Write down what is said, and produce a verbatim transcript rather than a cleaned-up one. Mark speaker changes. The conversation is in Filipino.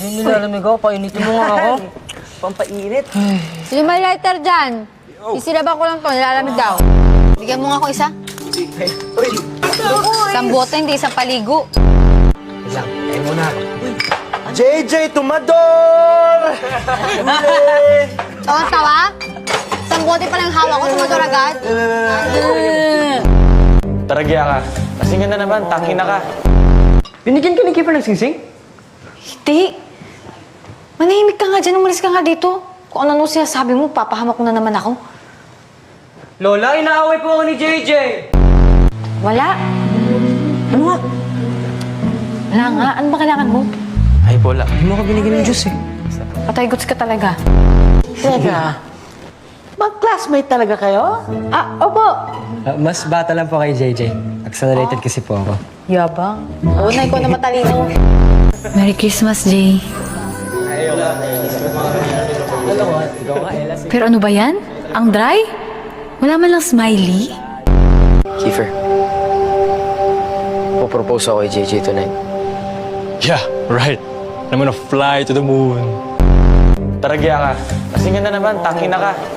Speaker 1: Hindi nilalamig ako. Painitin mo nga ako.
Speaker 2: Pampainit.
Speaker 3: Sino may lighter dyan? Isiraban ko lang to, nilalamig daw. Bigyan mo nga ako isa.
Speaker 2: Uy!
Speaker 3: Isang bote, hindi isang paligo.
Speaker 4: Lang, kayo muna.
Speaker 2: J J Tumador!
Speaker 3: Tawa-tawa? Isang bote pa lang hawak ko, sumador agad.
Speaker 5: Taragya ka. Kasing ganda naman, tangin na ka.
Speaker 1: Binigyan ka ni Kiefer ng singsing?
Speaker 3: Hindi. Manahimik ka nga dyan, umalis ka nga dito. Kung ano-ano sinasabi mo, papahamak mo na naman ako.
Speaker 1: Lola, inaaway po ako ni J J.
Speaker 3: Wala.
Speaker 1: Ano nga?
Speaker 3: Wala nga. Ano ba kailangan mo?
Speaker 5: Ay, bola.
Speaker 1: Hindi mo ka binigyan ng juice eh.
Speaker 3: Patay guts ka talaga.
Speaker 2: Teka, mag-classmate talaga kayo?
Speaker 3: Ah, opo.
Speaker 4: Ah, mas bata lang po kay J J. Accelerated kasi po ako.
Speaker 3: Yabang. Oo na, ikaw na matalino. Merry Christmas, Jay. Pero ano ba yan? Ang dry? Wala man lang smiley?
Speaker 6: Kiefer, po-propose ako kay J J tonight.
Speaker 5: Yeah, right. I'm gonna fly to the moon. Taragya ka. Kasing ganda naman, tangin na ka.